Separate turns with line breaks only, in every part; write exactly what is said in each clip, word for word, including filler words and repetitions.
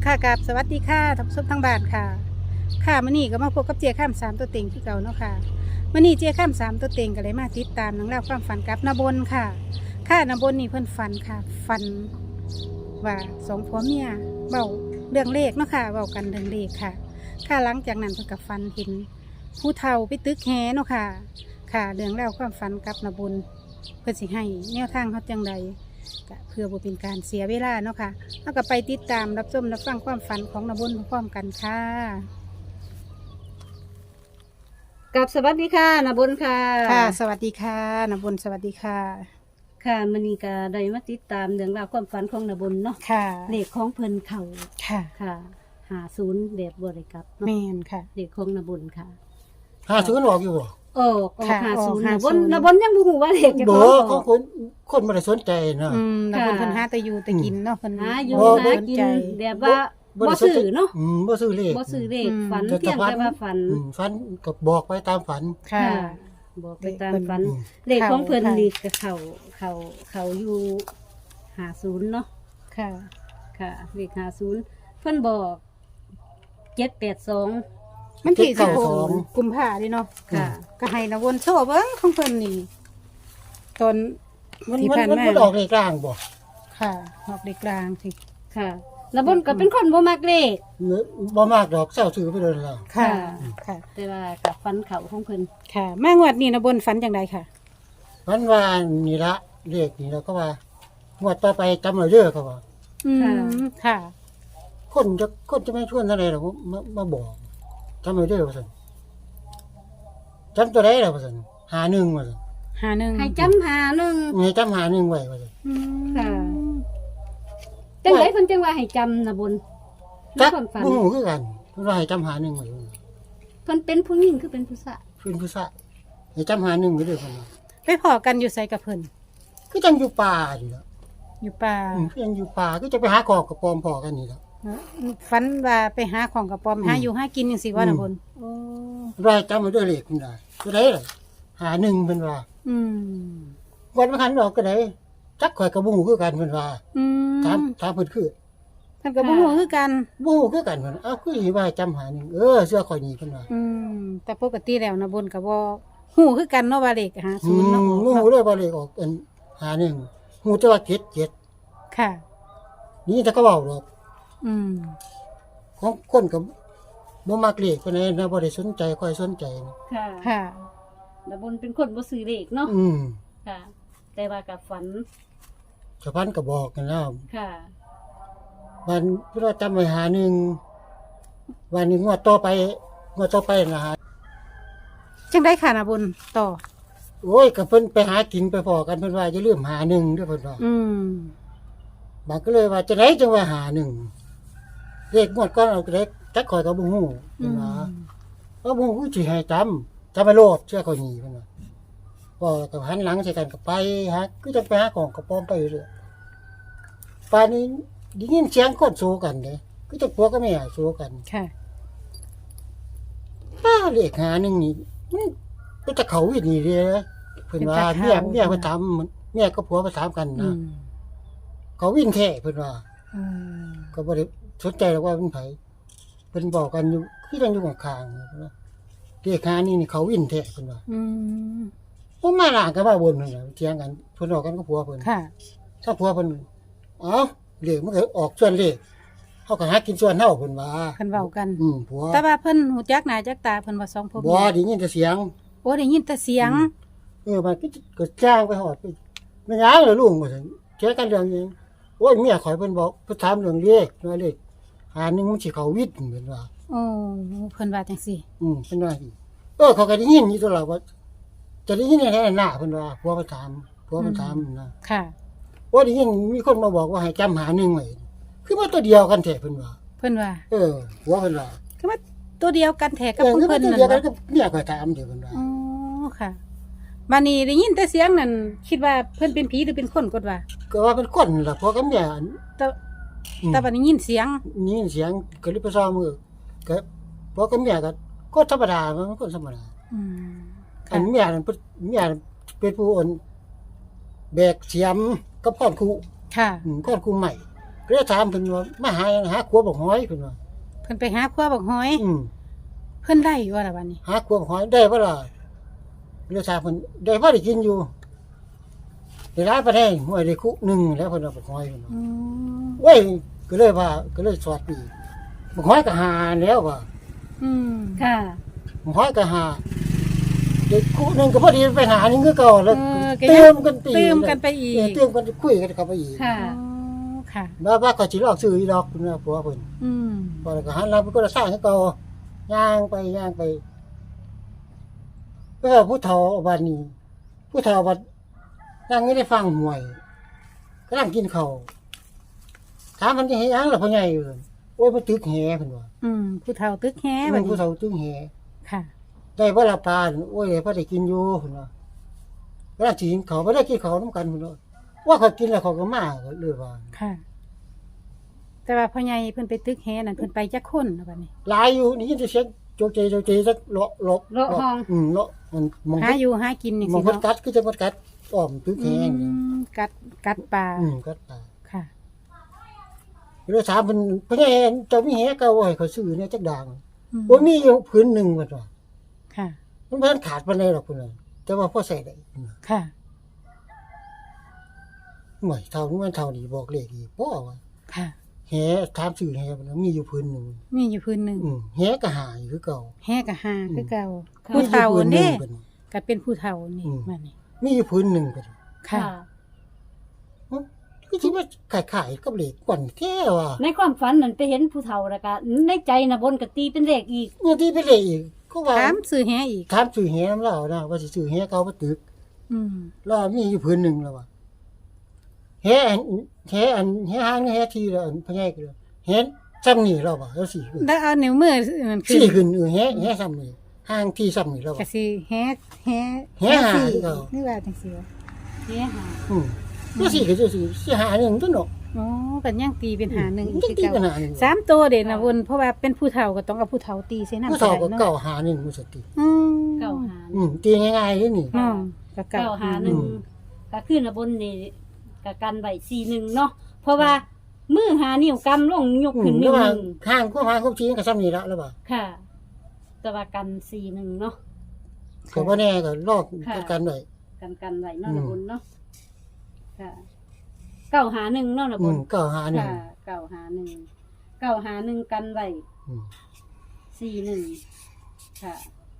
ค่ะกับสวัสดีค่ะท่านผู้ชมทางบ้านค่ะค่ะมื้อนี้ก็มาพบกับเจียข้ามสามตัวเต็งที่เก่าเนาะค่ะมื้อนี้เจียข้ามสามตัวเต็งก็เลยมาติดตามนังเล่องราวความฝันกับนาบนค่ะ ค่ะนาบนนี่เพิ่นฝันค่ะฝันว่าสองผัวเมียเบาเรื่องเลขเนาะค่ะเบากันเรื่องเลขค่ะ ค่ะหลังจากนั้นเพิ่นก็ฝันเห็นผู้เฒ่าไปตึกแฮเนาะค่ะ ค่ะเรื่องเล่าวความฝันกับนาบนเพิ่นสิให้แนวทางเขาจังใดก็เพื่อบ่เป็นการเสียเวลาเนาะค่ะเราก็ไปติดตามรับชมรับฟังความฝันของนาบนพร้อมๆกันค่ะกับสวัสดีค่ะนาบนค่ะค่ะ สวัสดีค่ะนาบนสวัสดีค่ะ
ค่ะมณีกาได้มาติดตามเรื่องราวความฝันของนาบนเนาะ
ค่ะ
เลขของเพิ่นเขา
ค่ะ
ค่ะหาศูนย์แบบบริกรับเนาะ
แม่นค่ะ
เลขของนาบนค่ะ
หาศูนย์ออกอยู่บ่
โอ้ออกหาศูนย์
ค่ะ
นาบน
ออกห้าศูนย์
นาบนยังบ่ฮู้ว่าเลขจะ
บ่
ของอ
เขา
อก
คนคนบ่ได้สนใจนะ
อืมนาบนเพิ่นหาแต่อยู่แต่กินเนาะเพิ่น
หาอยู่
บ่
หากินแบบว่าบ่ซื้อเนาะ
อืมบ่ซื้อเลข
บ่ซื้อเลข
อืม
ฝัน
แต่
เพียง
ฝัน
แต่ว่าฝัน
อืมฝันก็บอกไปตามฝัน
ค่ะ
บอกไปตามฝัน
อืม
เลขของเพิ่น
ค่ะ
นี่ก็เข้าเข้าเข้าอยู่หาศูนย์เนาะ
ค่ะ
ค่ะเลขหาศูนย์เพิ่นบอกเจ็ดแปดสอง
มันที่
เจ็
สิ
ด
บ
เก้า
ห
สอก ง
กุมภาดิเนาะ
ค่ะ
ก็ให้นาบนโชว์เบิ่งของเพิ่นนี่ตอน
มัน
ที่
มัน
ผ่าน
มัน
มา
บ่ออกเลขกลางบ่
ค่ะออกเด็กกลางสิ
ค่ะแล้วบนก็เป็นคนบ่มักเลข
บ่มากดอกเศร้าซื้อไปเลยแล้ว
ค่ะ
ค่ะ
ค่ะ
แต่ว่ากับฟันเขาของเพิ่น
ค่ะ มางวดนี้นาบนฝันจังไดค่ะ
ฝันว่านี่ละเลขนี่แล้วก็ว่างวดต่อไปจำไว้เด้อเขาว่า
อืมค่ะ
คนจะคนจะไม่ชวนเท่าไหร่หรอกมามาบอกจำไว้เด้อว่าซั่นจำตัวใดล่ะว่าซั่นหาหนึ่งว่าซั่น
หาหนึ่ง
ให้จำหาหนึ่ง
ให้จำหาหนึ่งไว้ว่าซั่น
อืม
ค่ะ จังไดเพิ่นจังว่าให้จำนะบุญใน
จัก
ความฝัน
บ่ฮู้คือกันเพิ่นว่าให้จำหาหนึ่งไว้ว่าซั่น
เพิ่นเป็นผู้หญิงคือเป็นผู้ชาย
เพิ่นผู้ชายให้จำหาหนึ่งไว้เด้อเพิ่นว่า
ไปพอกันอยู่ใส่กับเพิ่น
คือจังอยู่ป่านี่ล่ะ
อยู่ป่า
อืมคือจังอยู่ป่าคือจะไปหาขอกกับปอมพอกันนี่ล่ะ
ฝันว่าไปหาของกับปอม
อืม
หาอยู่หากินจังซี่ว่า
อืม
นาบนโอ้
ว่าจำไว้เด้อเลขเพิ่นได้ตัวใดล่ะหาหนึ่งเพิ่นว่า
อืม
วันบ่คันดอกก็ได้จักข่อยก็บ่ฮู้คือกันเพิ่นว่า
อืม
ถามถามเพิ่นคือ
เพิ่นก็บ่ฮู้คือกัน
บ่ฮู้คือกันเพิ่นเอ้าคือสิว่าให้จำหาหนึ่งเออเสื้อข่อยนี่เพิ่นว่า
อืมแต่ปกติแล้วนาบนก็บ่ฮู้คือกันเนาะว่าเลขหา
อื
ศูนย์
ม
เนาะ
บ่ฮู้เลยว่าเลขออกอันหาหนึ่งฮู้แต่ว่าเจ็ดเจ็ด
ค่ะ
นี่แต่ก็เว้าดอก
อืม
ของคนก็บ่มักเลขปานใดนะบ่ได้สนใจค่อยสนใจนะ
ค่ะ
ค่ะ
นะบุญเป็นคนบ่ซื้อเลขเนาะ
อืม
ค่ะ แต่ว่ากับฝัน
ชาวบ้านก็บอกกันแล้ว
ค่ะ
วันเพิ่นว่าจำไว้หาหนึ่งวันนี้งวดต่อไปงวดต่อไปนะฮะ
จังได้ค่ะนาบนต่อ
โอ้ยก็เพิ่นไปหากินไปพอกันเพิ่นว่าอย่าลืมหาหนึ่งเด้อเพิ่นว่า
อืม
บางก็เลยว่าจะได้จังว่าหาหนึ่งเลขงวดก่อนเอาก็ได้จักข่อยก็บ่ฮู้
อื
เพิ่น
ม
ว่าว่าบ่ฮู้สิให้จำจำไปโลดเชื่อข่อยนี่เพิ่นว่าพอก็หันหลังใส่กันก็ไปหาคือจะไปหาของกระป๋อมไปเรื่อยป่านนี้ได้ยินเสียงคนโซกันเด้คือจะผัวกับแม่โซกัน
ค่ะ
ป้าเลขหาหนึ่งนี่มันก็จะเขาอีนี่เด้อเพิ่นว่าเมียเมียเพิ่นถามเมียกับผัวมาถามกัน
อื
นะ
ม
เขาวิ่งแท้เพิ่นว่า
อืม
ก็บ่ได้สนใจหรอกว่าเป็นไผเพิ่นบอกกันอยู่คือจังอยู่ข้างๆเพิ่นว่าเลขหานี่นี่เขาวิ่งแท้เพิ่นว่า
อืม
ผมมาหลางกันมาบนเพิ่นน่ะเถียงกันเพิ่นออกกันกับผัวเพิ่น
ค่ะ
ถ้าผัวเพิ่นเอ้าเลขมันก็ออกส่วนเลขเฮาก็หากินส่วนเฮาเพิ่นว่า
เพิ่นเว้ากัน
อืมผัว
แต่ว่าเพิ่นหูจักหน้าจักตาเพิ่นว่าสองพ่อ
บ่
แม่
ได้ยินแต่เสียง
โอ้ได้ยินแต่เสียง
เออมันก็ก็จ้างไปหอดไปไม่ย้ายเลยลุงว่าซั่นเชื่อกันเรื่องหยังโอ้ยเมียข่อยเพิ่นบอกเพิ่นถามเรื่องเลขว่าเลขหาหนึงมันสิเข้าวิทย์เพิ่นว่า
โอ้เพิ่นว่าจังซี่
อืมเพิ่นว่าอีกเออเขาก็ได้ยินอยู่ตลอดว่าจะได้ยินแท้ๆหน้าเพิ่นว่าผัวเพิ่นถามผัวเพิ่นถามนะ
ค่ะ
ว่าได้ยินมีคนมาบอกว่าให้จำหาหนึ่งไว้คือว่าตัวเดียวกันแท้เพิ่นว่า
เพิ่นว่า
เออผัวเพิ่นว่า
คือว่าตัวเดียวกันแท้กับ
เออ
ผู้
คือ
เพิ่
ว่าน ตัว
นั่น
เดียวกัน
บ่
กับเมียข่อยถามเด้อเพิ่นว่า
อ๋อค่ะบัดนี้ได้ยินแต่เสียงนั่นคิดว่าเพิ่นเป็นผีหรือเป็นคนกดว่า
ก็ว่าเป็นคนล่ะผัวกับเมีย
แต่
อืม
แต่บัดนี้ยินเสียง
นี่เสียงก็เลยไปซ้อมมือก็ผัวกับเมียก็ก็ธรรมดามันก็ธรรมดา
อืม
อั
ค่ะ
นเมียนั่นเป็นเมียนั่นเป็นผู้อ่อนแบกเสียมกับก้อนคู
ค่ะ
อืมก้อนคูใหม่ก็เลยถามเพิ่นว่ามาหาหยังหาขัวบักหอยเพิ่นว่า
เพิ่นไปหาขั้วบักหอย
อืม
เพิ่นได้อยู่ว่าล่ะบัดนี้
หาขัวบักหอยได้บ่ล่ะเลยถามเพิ่นได้บ่ได้กินอยู่ได้หลายปานใดห้วยได้คุหนึงแล้วเพิ่นว่าบักหอยเพิ่นว่า
อืม
เว้ยก็เลยว่าก็เลยสวัสดีบักหอยก็หาแล้วว่า
อืม
ค่ะ
บักหอยก็หาเด็กคุหนึงก็พอดีไปหานี่คือเก่าแล้ว
เออก็
เติ
ยัง
มกันไป
เติมกันไปอี
เออก เติมกันคุยกันเข้าไปอีก
ค่ะ
อ๋อค่ะ
ว่าว่าก็สิลอกซื้ออีดอกเพิ่นว่าผัวเพิ่น
อืม
พอแล้วก็หันหลังเพิ่นก็สร้างให้เก่าย่างไปย่างไปก็ผู้เฒ่าบ้านนี้ ผู้เฒ่าบัดนั่งไม่ได้ฟังหวยกำลังกินข้าวถามมันจะเฮ็ดหยังล่ะพ่อใหญ่เอิ้นโอ้ยมันตึกแหเพิ่นว่า
อืมผู้เฒ่าตึกแฮ
มั
บั
น
ด
ผู้
นี้
เฒ่าตึกแห
ค่ะ
ได้บ่ละปลาโอ้ยได้พอได้กินอยู่เพิ่นว่าเวลาสิกินข้าวบ่ได้กินข้าวนำกันเพิ่นว่าว่าเขากินแล้วเขาก็มาก็เลยว่า
ค่ะ แต่ว่าพ่อใหญ่เพิ่นไปตึกแฮนั่นเพิ่นไปจักคนน่ะบัดนี้
หลายอยู่นี่ยินแต่เสียงโจกเจโจกเจสักเลาะเลาะ
เลาะห้อง
อืมเลาะมันมอง
หาอยู่หากินนี่
ม
สิ
องพัด
เนาะ
กัดคือจะพัดกัดอ้อมตึกแหง
อืมกัดกัดปลา
อืมกัดปลา
ค่ะ
เลยถามเพิ่นเพิ่นให้เจ้ามีแหเก่าบ่ให้เขาซื้อเนี่ยจักด่าง
อืม
บ่มีอยู่พื้นหนึงว่าว่า
ค่ะ
มันบ่ทันขาดปานใดหรอกเพิ่นน่ะแต่ว่าพอใส่ได้
ค่ะ
หน่วยเท่านี้มันเท่านี้บอกเลขอีกบ่ว่า
ค่ะ
แหถามซื้อแหเพิ่นว่ามีอยู่พื้นหนึง
มีอยู่พื้นหนึ่ง
อืมแหก็หาอยู่คือเก่า
แฮกะหาคือเก่า
ค่ะ
ผู้เฒ่า
มีอยู่พื้นหนึ่
เด้
งเพิ่นว่า
ก็เป็นผู้เฒ่านี่
อืม
มานี่
มีอยู่พื้นหนึงเพิ่นว่า
ค่ะ
อ๋อคือสิว่าขายๆกับเลขก่อนแท้ว่า
ในความฝันนั่นไปเห็นผู้เฒ่าแล้วก็ในใจน่ะบนก็ตีเป็นเลขอีก
เนี่ยที่ไปเลขอีกก็ว่า
ถามซื้อแฮอีก
ถามซื้อแหนำเรานะว่าสิซื้อแหเก่าบ่ตึก
อืม
แล้วมีอยู่พื้นหนึงแล้วว่าแหอันแหอันแหหางแหทีแล้วอันพะใหญ่ก็เลยแหซ้ำนี่แล้วว่าแล้วสิขึ้น
แล้วเอานิ้วมือนั่นขึ้
สิ
น
ขึ้นเออแหแหซ้ำนี่หางที่ซ้ำนี่แล้ว
ก็
ว่า
สิแฮแฮ
แฮหา
สี่
คือเก่า
นี่ว่าจังซี่วะ
เฮ้หา
อืมแล้วสิก็จะสิสิหาหนึงตัวเนาะ
อ๋อก็ยังตีเป็นหาหนึ่งอีก
จั
คื
ง
อ
ตี
เก่า
กันหาหนึง
สามตัวเด่นนะวนเพราะว่าเป็นผู้เฒ่าก็ต้องเอาผู้เฒ่าตีใส่น้ำ
ผู้เฒ่าก็
เนาะ
เก่าหาหนึงมันสติ
อืม
เก้าหา
อืมตีง่ายๆเลยนี่
เนาะก็เก่า
เก้าหาหนึ่ง
อืม
ก็ขึ้นน่ะบนนี่ก็กันไว้สี่หนึ่งเนาะเพราะว่ามือหานิ้วกำลงยก
อื
ขึ้
ม
น
แล้
นิ้
ว
ว
ว่า
หนึ่ง
ข้างก็หางก็ชี้ก็ซ้ำนี่ละแล้วว่า
ค่ะ แต่ว่ากันสี่หนึ่งเนาะ
ก็บ่แน่ก็ลอก
ค่ะ
กันไว้
กันกันไว้เนาะ
อืม
นะบนเนาะค่ะเก้าหาหนึ่งเนาะนะ
อื
บ
ม
น
เก่าหาหนึง
ค่ะเก้าหาหนึ่งเก้าหาหนึ่งกันไว้
อืม
สี่หนึ่งค่ะ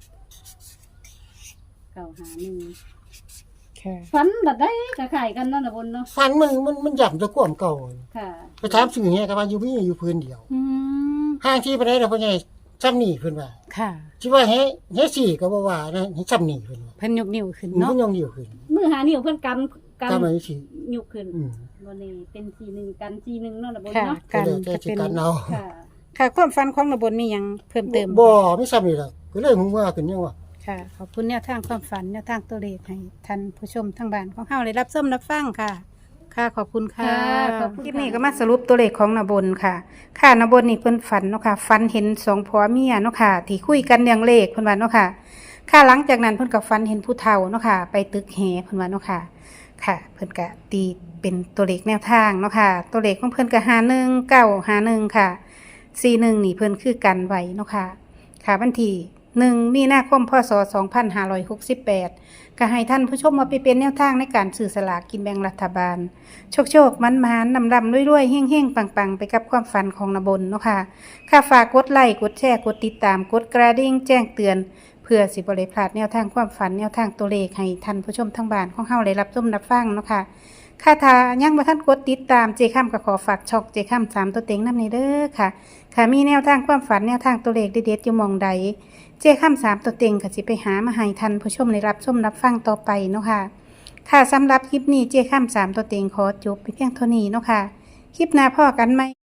เก้าหาหนึ่ง
ค่ะ
ฝันแบบได้กระไข่กันเนาะนะบนเนาะ
ฟันมันมันมันย่ำตะความเก่า
ค่ะ
ไปถามซื้อแหก็ว่าอยู่มีอยู่พื้นเดียว
อืม
ห้างที่ไปได้แล้วพ่อใหญ่ซ้ำนี่เพิ่นว่า
ค่ะ
สิว่าแฮแฮสี่ก็บ่ว่านะให้ซ้ำนี่เพิ่นว่า
เพิ่นยกนิ้วขึ้น
มัน
เนาะ
ยังเดียวขึ้น
มือหานิ้วเพื่อนกำก
ก็มาสิ
ำยุกขึ้น
อืม
วันนี้เป็นสี่หนึ่งกันสี่หนึ่งเนาะนะบน
ค่ะ
เนาะ
การ
ก็เลยแต่
จะ
สิ
เป็น
กันเอา
ค่ะ
ค่ะความฝันของระบนมีหยังเพิ่มเติม
บ่ไม่ซ้ำนี่ล่ะก็เลยฮู้ว่าขึ้นยังว่า
ค่ะ ขอบคุณแนวทางความฝันแนวทางตัวเลขให้ท่านผู้ชมทางบ้านของเฮาได้รับชมรับฟังค่ะ ค่ะขอบคุณค่ะ
ค่ะขอบคุณ
คลิปนี้ก็มาสรุปตัวเลขของนบนค่ะ ค่ะนบนนี่เพิ่นฝันเนาะค่ะฝันเห็นสองผัวเมียเนาะค่ะ ที่คุยกันเรื่องเลขเพิ่นว่าเนาะค่ะ ค่ะหลังจากนั้นเพิ่นก็ฝันเห็นผู้เฒ่าเนาะค่ะ ไปตึกแหเพิ่นว่าเนาะค่ะ ค่ะ เพิ่นก็ตีเป็นตัวเลขแนวทางเนาะค่ะ ตัวเลขของเพิ่นก็ห้าหนึ่งเก้าห้าหนึ่งค่ะสี่หนึ่งนี่เพิ่นคือกันไว้เนาะค่ะ ค่ะวันที่หนึ่งมีนาคมพศสองพันห้าร้อยหกสิบแปดก็ให้ท่านผู้ชมมาไปเป็นแนวทางในการสื่อสลากกินแบ่งรัฐบาล โชคโชคมันมานำดำรวยๆเฮ่งเฮ่งปังปังๆ ไปกับความฝันของนบนเนาะค่ะ ค่ะฝากกดไลค์กดแชร์กดติดตามกดกระดิ่งแจ้งเตือน เพื่อสิบริพลาดแนวทางความฝันแนวทางตัวเลขให้ท่านผู้ชมทั้งบ้านของเฮาได้รับชมรับฟังเนาะค่ะ ค่ะถ้ายังบ่ทันกดติดตามเจค่ำก็ขอฝากช่องเจค่ำสามตัวเต็งนำในเด้อค่ะ ค่ะมีแนวทางความฝันแนวทางตัวเลขเด็ดๆอยู่หมองใด เจค่ำสามตัวเต็งก็สิไปหามาให้ท่านผู้ชมได้รับชมรับฟังต่อไปเนาะค่ะ ค่ะสำหรับคลิปนี้เจค่ำสามตัวเต็งขอจบไปเพียงเท่านี้เนาะค่ะ คลิปหน้าพ่อกันไหม